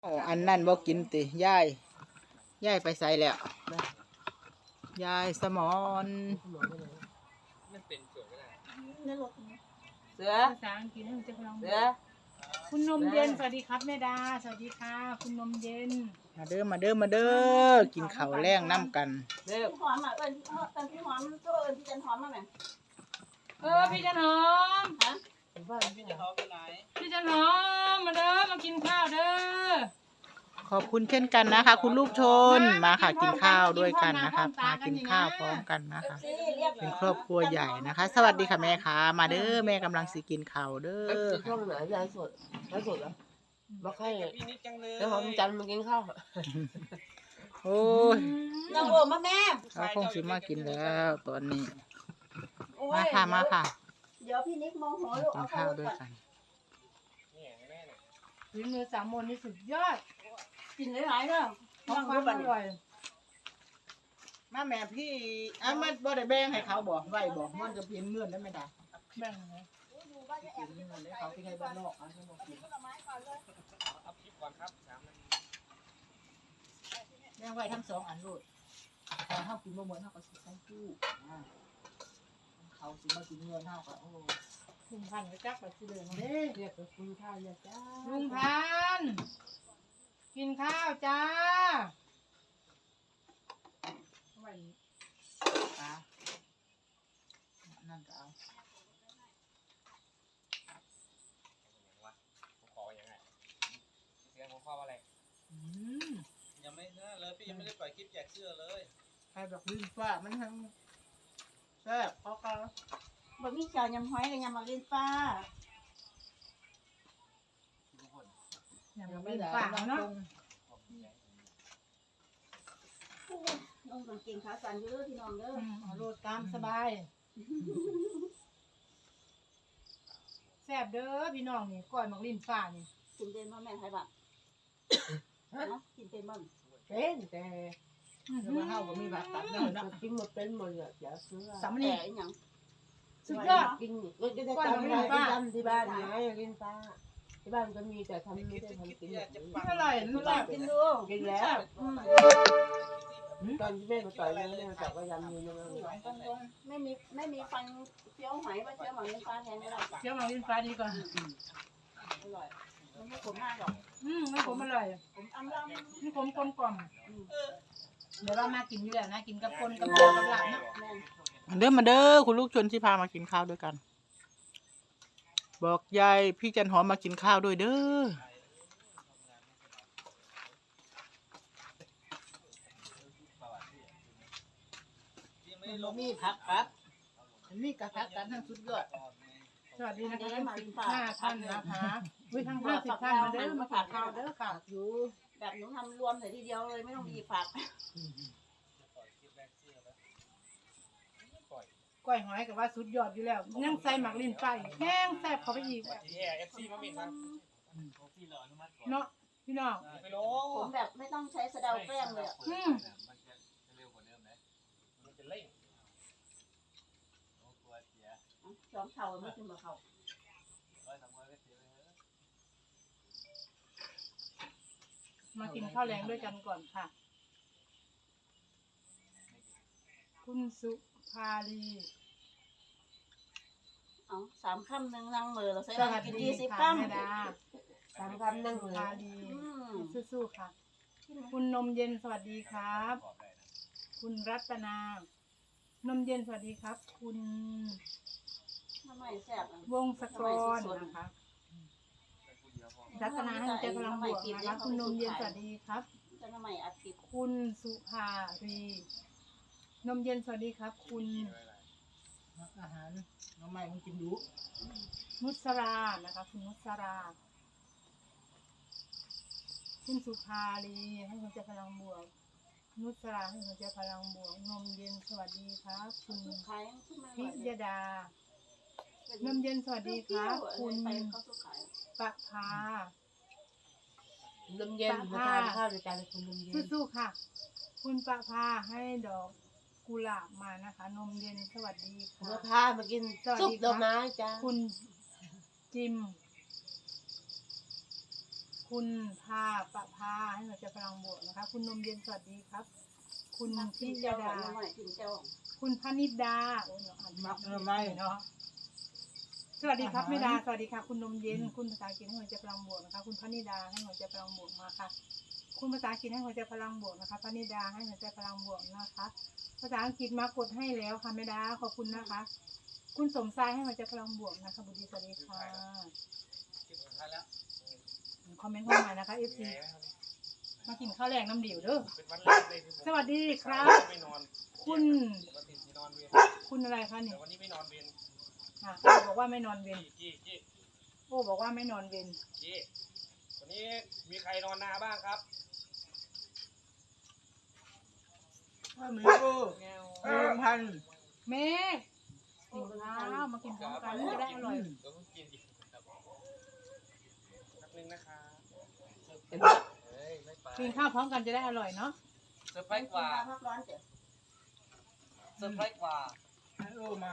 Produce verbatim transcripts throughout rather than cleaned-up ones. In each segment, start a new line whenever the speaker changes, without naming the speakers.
อ๋ออันนั่นบ่กินติยายยายไปใส่แล้วยายสมอน
เสือภาษาอังกฤษให้มันจะพลังเสือคุณนมเย็นสวัสดีครับแม่ดาสวัสดีค่ะคุณนมเย็น
มาเด้อมาเด้อมาเด้อกินข้าวแรงน้ำกัน
เด้อหอมอ่ะเอิญเอิญพี่หอมก็เอิญพี่จันหอมมาไหม
เออพี่จันหอมฮะพี่จันหอมไปไหนพี่จันหอมมาเด้อมากินข้าวเด้อ
ขอบคุณเช่นกันนะคะคุณลูกชนมาค่ะกินข้าวด้วยกันนะคะมากินข้าวพร้อมกันนะคะเป็นครอบครัวใหญ่นะคะ สวัสดีค่ะแม่ค่ะมาเด้อแม่กำลังสิกินข้าวเด้อ
ช่องไหนยายสดยายสดเหรอบอกให้แล้วหอมจันทร์มากินข้าว
โอ้ย
น้องโอมาแม่
เขาคงสิมากินแล้วตอนนี้มาค่ะมาค่ะ
เดี๋ยวพี่นิกมองหัวลูก
กินข้าวด้วยกัน
ฝีมือสามมนนี่สุดยอด
กินหลายๆเนาะ
ของความอร่อย
มาแม่พี่อ่ะมันบ่ได้แบ่งให้เขาบ่ไว้บ่มันจะเพียนเงื่อนได้ไหมล่ะ
แบ่งไง
กินเงื่อนได้เขาที่ให้บ้านนอกอ่ะเขาบอกกินเอาคลิปก่อนครับแบ่งไว้ทั้งสองอันโลดแต่เฮากินบ่หมดเฮาก็สิใส่ตู้อ่าเขาสิมากินเงื่อนเฮาก็โอ้
ลุงพันธุ์ก็จักไปสิเลย
เด้เรียกกับคุณข้าวเนี่ยจ้า
ลุงพันธุ์กินข้าวจ้าไว้
ปลานั่นก็เอา
ขออย่างไรเสียงของข้อว่าอะไรยังไม่นะเลยพี่ยังไม่ได้ปล่อยคลิปแจกเสื้อเลย
ใครบอกลิ้นฟ้ามันทั้งแซ่บพอกัน
บะหมี่เจียวยำหอยกับยำมะลินฟ้า
อย่างไม่ฝากเนาะ
น้องกางเกงขาสั้นเยอะพี่น้องเด้อ
เอาโลดตามสบายแซ่บเด้อพี่น้องนี่ก้อยมักลิ้นฟ้านี่
กินเป็นบ่แม่ไทยบ้านเนาะกินเป็นบ่
เป็นแต่
ว่าเฮาบ่มีผักตัดเนาะ
กินหมดเป็นหมดเลยอย่าซื้อ
สำ
เนี
นี
ยงหยัง
สุดยอด
กินก็จะได้ทำอะไรที่ทำที่บ้านไงกินปลาที่บ้านก็มีแต่ทำไม่ได้ทำกินแบบ
นี้อร่อยอร่อย
กินดู
กินแล้วตอนที่แม่มาต่อยแม่แม่บอกว่ายำมือนะ
ไม่มีไม่มีฟันเคี้ยวหอยว่าเคี้ยวหมังลิ้นฟ้าแทนก็ได้
เคี้ยวมังลิ้นฟ้าดีกว่า
อร่อยมันไม่ขมมากหรอก
อืมไม่ขมอร่อย
ผมอ้ำลำ
ไม่ขมกลมกล่อมเดี๋ยวเรามากินอยู่แล้วนะกินกับคนกับเปลือกกับหลังเนาะ
มาเด้อมาเด้อคุณลูกชนที่พามากินข้าวด้วยกันบอกยายพี่จันหอมมากินข้าวด้วยเด้อมีผักครับมีกระพักกันทั้งสุดยอด
สวัสดีนะคะทั้งสิบห้าท่านนะคะวิทั้งห้าสิบท่านมาเด้อมาฝากข้าวเด้อฝากอยู่
แบบหนูทำรวมใส่ทีเดียวเลยไม่ต้องมีฝาก
ก้อยหอยกับว่าสุดยอดอยู่แล้วยังใส่หมักลิ้นไปแห้งแซ่บเข้าไปอีกเนาะพี่น้อง
ผมแบบไม่ต้องใช้สะเดาแป้งเลยอ่ะสองเท่าไม่ถึงบ่เท่า
มากินข้าวแรงด้วยกันก่อนค่ะคุณสุภาลี
เอาสามคำหนึ่งนั่งมือเราใช้
มา
กินยี่สิบค
ำสามคำนั่งมือภาลีสู้ๆค่ะคุณนมเย็นสวัสดีครับคุณรัตนานมเย็นสวัสดีครับคุณวงศกรนะคะรัตนาให้ใจพลังบวกนะคะคุณนมเย็นสวัสดีครับคุณสุภารีนมเย็นสวัสดีครับคุณ
อาหารน้องใหม่มันกินดู
นุสรานะคะคุณนุสราคุณสุภารีให้หัวใจพลังบวกนุสราให้หัวใจพลังบวกนมเย็นสวัสดีครับคุณพิยดานมเย็นสวัสดีครับคุณปะพาน
มเย็นมาทานข้าวด้วยกันคุณนมเย็น
สู้ๆค่ะคุณปะพาให้ดอกกุหลาบมานะคะนมเย็นสวัสดีค่ะ
มาพามากินซุปดอกไม้จ้า
คุณจิมคคุณพาปะพาให้หัวใจพลังบวกนะคะ คุณนมเย็นสวัสดีครับ คุณ
กิ
พิ
นเจ้าย
ดา
หน่อยกินเจ้า
คุณพนิดาโอ้ยเราอ่านมักไม่เนาะสวัสดีครับแม่ดาสวัสดีค่ะ คุณนมเย็นคุณภาษาอังกฤษให้หัวใจพลังบวกนะคะ คุณพนิดาให้หัวใจพลังบวกมาค่ะ คุณภาษาอังกฤษให้หัวใจพลังบวกนะคะพนิดาให้หัวใจพลังบวกนะคะ ภาษาอังกฤษมากดให้แล้วค่ะแม่ดาขอบคุณนะคะ คุณสมชายให้หัวใจพลังบวกนะคะบุตรีสวัสดีค่ะ
คลิปสุดท้ายแล้ว
คอมเมนต์เข้ามานะคะเอฟซีมากินข้าวแรงน้ำเดี่ยวเด้อ
เป็นวันแรกเลยที่ผม
สวัสดีครับ
ไม่นอน
คุณ
ปกติที่นอนเวร
คุณอะไรคะเนี่
แต่
ย
วันนี้ไม่นอนเวร
อ่ะโอ้บอกว่าไม่นอนเวร
จี้จี้จี้
โอ้บอกว่าไม่นอนเวร
จี้วันนี้มีใครนอนนาบ้างครับ
ถ้ามีกูเมืองพัน
แม่กินข้าวมากินพร้อมกันจะได้อร่อย
เดี๋ยวผมกินอีกครับแป๊บนึงนะครับเฮ้ยไม่ไป
กินข้าวพร้อมกันจะได้อร่อยเนาะ
เซอร์ไพรส์กว่า
พักร้อนเจ้ะ
เซอร์ไพรส์กว่า
ให้โอ้มา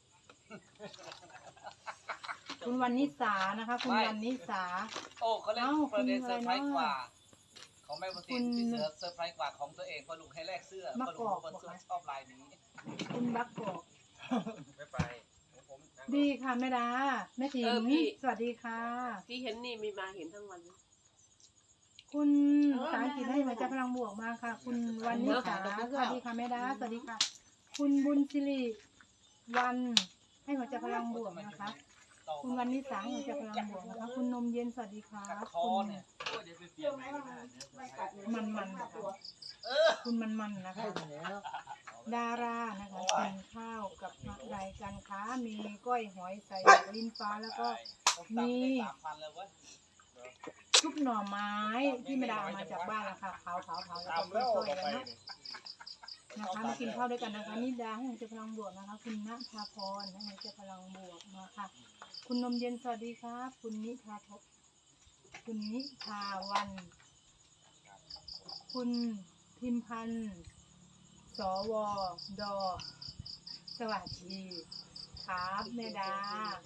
คุณวันนิสานะคะ คุณวันนิสา
โอ้เขาเล่น
เอ้า
ประเด็น
คุณ
เซอร์ไพรส์
อะไรเนอะ
กว่า ของแม่ประสิทธิ์
คุณ
ที่เสือเซอร์ไพรส์กว่าของตัวเองเพอลุงให้แลกเสื้อ
มะ
เพ
ก
อ
อก
ลุง
เหรอ
คน
คะ
ชอบลายนี้
คุณบักกอก
ไม่ไปของผมนั่ง
ดีค่ะแม่ดาแม่ถิงสวัสดีค่ะ
ที่เห็นนี่มีมาเห็นทั้งวัน
คุณภาษาอังกฤษให้หัวใจพลังบวกมาค่ะ คุณวันนิสาสวัสดีค่ะแม่ดาสวัสดีค่ะ คุณบุญสิริวันให้หัวใจพลังบวกนะคะ คุณวันนิสาให้หัวใจพลังบวกนะคะ คุณนมเย็นสวัสดีค่ะ
กัดคอ
คุณ
เนี่ยโอ้ยเดี๋ยวไปเปลี่
เที่
ย
ย
น
ว
ให
ไหม
ม่
มัน
ก็ได้
มันกัด
มันๆนะคะ
เออ
คุณมันมันๆนะคะ
แล้ว
ดารานะคะกินข้าวกับอะไรกันคะมีก้อยหอยใส่ลิ้นฟ้าแล้วก็
ผมตัดไปได้สามพันเลยเว้ย
ชุบหน่อไม้ที่ไม่ได้เอามาจากบ้านนะคะเผาเผาเผาแล้ว
ตาม
ก็
แล้ว
ซอย
ต่อ
ๆ
ไป
แล้วเนาะ
นี่
นะคะมากินข้าวด้วยกันนะคะนิดาให้หัวใจพลังบวกนะคะ คุณณภาพรให้หัวใจพลังบวกมาค่ะ คุณนมเย็นสวัสดีครับ คุณนิพาพคุณนิพาวัน คุณพิมพันธ์สวดอสวัสดีครับแม่ดา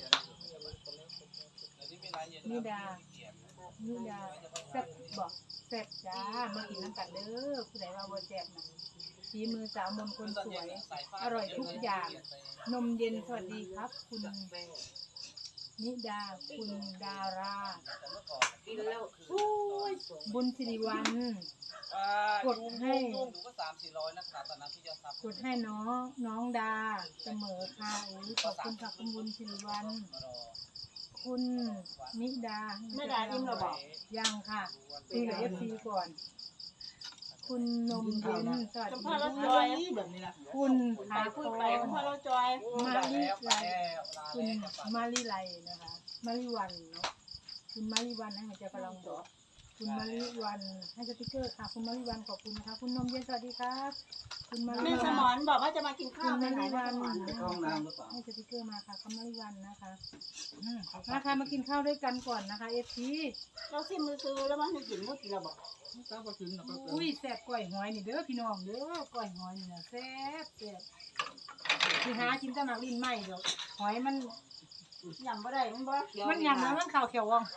นิดา นี่ดาแซ่บบอกแซ่บจ้ามากินน้ำกันเด้อผู้ใดว่าบ่แซ่บนะฝีมือสาวมนต์คนสวย อร่อยทุกอย่าง นมเย็นสวัสดีครับ คุณนิดาคุณดารา
กินแล้ว
บุญสิริวัล
กดให้หนูก็สามสี่ร้อยนะครับตอนนั้นที่จะซับ
กดให้น้องน้องดาเสมอค่ะอุ้ยขอบคุณค่ะคุณบุญสิริวัลคุณนิดา
ไม่ได้อิ่มหรอบอก
ยังค่ะคุยกับเอฟซีก่อน คุณนมเย็นสวัส
คุณ
ดี
พ่อเราจ
ค่ะ
อย
แบบนี้ละ
คุณพา
พู
โต
ดไปคุณพ่อเราจอย
มาลิไลคุณมาลิไลนะคะมาลิวันเนาะคุณมาลิวันให้หัวใจพลังบวกคุณมาลิวันให้สติกเกอร์ค่ะ คุณมาลิวันขอบคุณนะคะคุณนมเย็นสวัสดีครับ คุณมาลิ
แม่สม
วั
อน นบอกว่าจะมากิน
คุ
ข้าว
ณ
ไป
มา
ไหน
ลิ
แม่
วั
ส
น
มอน
ให้สติกเกอร์มาค่ะคุณมาลิวันนะคะมาค่ะมากินข้าวด้วยกันก่อนนะคะเอฟซี
เราซิมมือซื้อแล้วมันให้กินก็กินเราบอก
ต้องไปกินแล้วก็
อุ้ยแซ่บก้อยหอยนี่เด้อพี่น้องเด้อก้อยหอยนี่นะแซ่บแซ่บคือหากินแต่หมักลิ้นไหมเดี๋ยวหอยมัน
ยำบ่ได้มันบ่เขียว
มันยำแล้วมันขาวเขียวว่อง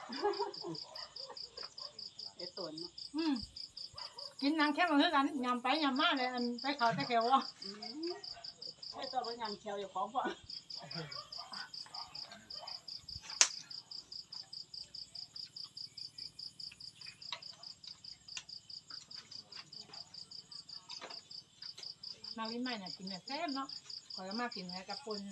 ไอ้ตุ่น
อืมกินนางแค่มาคือกันยำไปยำมาเลยอันไปขาวแต่เขียวว่อง
ไอ้ตัวมันยำเขียวอยู่ของพ่อ
หมักลิ้นไหมน่ะกินแบบแซ่บเนาะขอยก็มากินแค่กับปน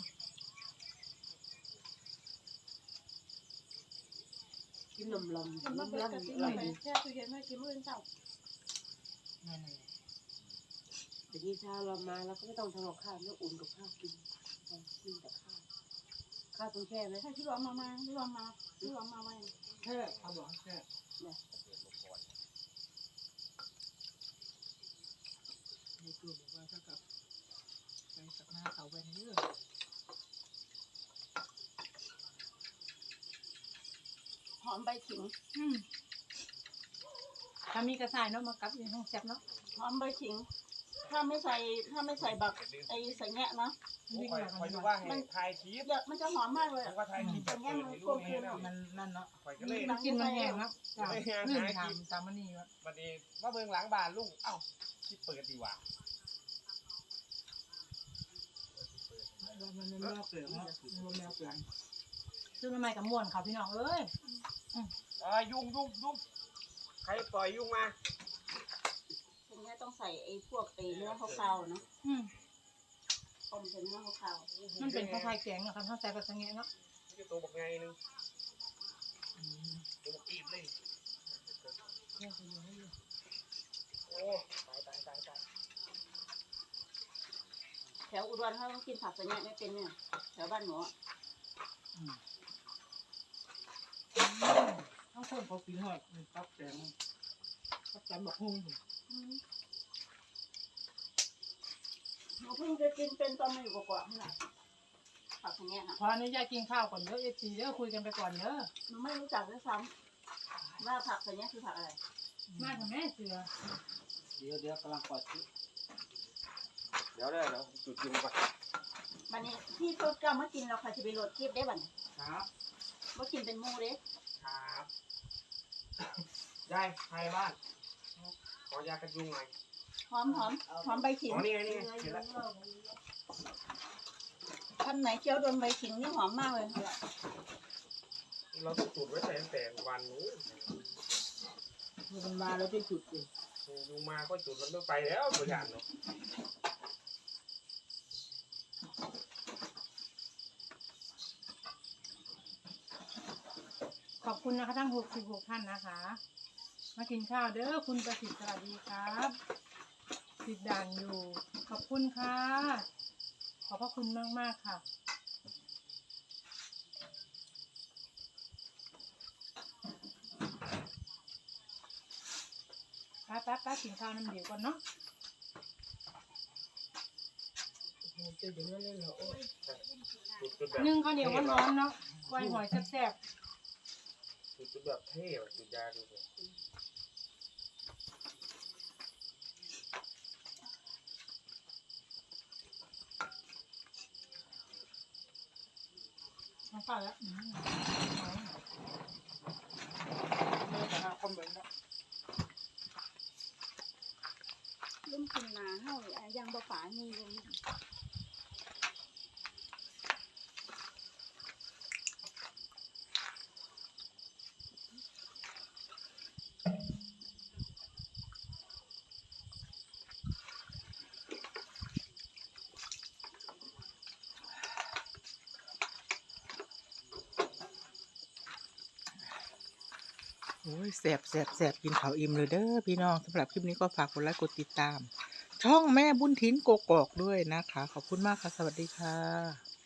กินนมลม
มัน
น
บ่
ม
เป็น
ลม
กะทิ
อร่อย
ไป
ดี
แช่ตู้เย็นไว้กินมื้อเช้า
นั่นน่ะ
เดี๋ยวนี้เช้าเรามาเราก็ไม่ต้องทำกับข้าวไม่อุ่นกับข้าวกินกินแต่ข้าวข้าวต้องแช่ไหม
ให้ที่รอมามาที่รอมาที่รอมาไว้
แค่เอาบอกแค่ในตัวบอกว่าถ้ากับไปสักหน้าเขาไปเรื่อย
หอมใบขิง
อืมถ้ามีกระสายเนาะมากับอยู่ห้องแซ่บเนาะ
หอมใบขิง ถ้าไม่ใส่ถ้าไม่ใส่บักไอ้ใส่แงะนะ
วิ่ง
คอย
มา
คอย
กัน
ดู
ดีก
ว่า
ว่า
ให้ถ่ายคลิป
เดี๋ยวมันจะหอมมากเลย
ผมก็ถ่ายคลิปแบบเปิดให้ลูกนี่นะ
มันนั่นเนาะ
คอยก็เลย
มันกินมันแห้งแล้วจ้ะ
ไม่แห้ง
นึ่ง
หากิน
ทำตามมันนี่วะ
บัดนี้ว่าเบิ่งหลังบ้านลุงเอ้าคลิปเปิดดีกว่า
มันไม่เปลือกเนาะมันไม่เปลือก
ซื้อมาใหม่กับม่วนเขาพี่น้องเอ้ย
อ่ายุ่งยุ่งยุ่งใครปล่อยยุ่งมา
ตรงนี้ต้องใส่ไอ้พวกไอ้เนื้อขาวๆเนาะ
อืม
ต้มเป็นเนื้อขาว
มันเป็นข้าวไข่แกงนะครับถ้าใส่แบบนี้เนาะ
นี่ตัวบอกไงนึงตัวบอกอีบเลยโอ้ตายตายตายตาย
ๆแถวอุดรเขาต้องกินผักแบบนี้ไม่เป็นเนี่ยแถวบ้านหนูอะ
ทั้งคนเขากินหอยตับแตงตับแตงบอกหุ้ง
อืมหนูเพิ่งจะกินเป็นตอนมาอยู่กว่าๆนี่แหละผักแบบนี้น่ะ
ขออนุญาตกินข้าวก่อนเด้อเอฟซีเด้อคุยกันไปก่อนเด้อ
หนูไม่รู้จักด้วยซ้ำว่าผักแบบนี้คือผักอะไร
มากับแม่เสือ
เดี๋ยวเดี๋ยวกำลังปล่อยคลิป
เดี๋ยวเดี๋ยวเดี๋ยวจุดยุงก่อน
วันนี้ที่โทษกล้ามากินเราค่ะจะไปโหลดคลิปได้บัดนี้
ครับ
มากินเป็นหมูเด้
ครับยายใครบ้านขอยากันยุงหน่อย
หอมหอมหอมใบขิง
อ๋อนี่ไงนี่ไงเห็นแล้ว
ท่านไหนเคี้ยวโดนใบขิงนี่หอมมากเลย
เราต้องจุดไว้แต่ตั้งแต่วันนู้น
มันมาแล้วที่จุดสิ
ยุงมาก็จุดมันไม่ไปแล้วตัวอย่างเนาะ
ขอบคุณนะคะทั้งหกสิบหกท่านนะคะ มากินข้าวเด้อคุณประสิทธิ์สวัสดีครับติดด่านอยู่ ขอบคุณค่ะ ขอบพระคุณมากมากๆค่ะป้าป้าป้ากินข้าวน้ำเดียวก่อนเนาะ
จะอย่างนั้นเลยเหรอโอ้ย
จุดจุดแบบ
นึ่งข้าวเหนียวร้อนๆเนาะกล้วยหอยแซ่บ
จุดจุดแบบเท่แบบจุดยาดูสิ
ๆน้องป้าแล้วอืม
ไม่ได้ทำคอมเมนต์นะ
ลุ่มกินนาเฮาอ่ะยังบ่ฝามีลง
โอ้ยแสบแสบแสบกินข้าวอิ่มเลยเด้อพี่น้องสำหรับคลิปนี้ก็ฝากกดไลค์กดติดตาม ช่องแม่บุญทิ้นโกกอกด้วยนะคะ ขอบคุณมากค่ะ สวัสดีค่ะ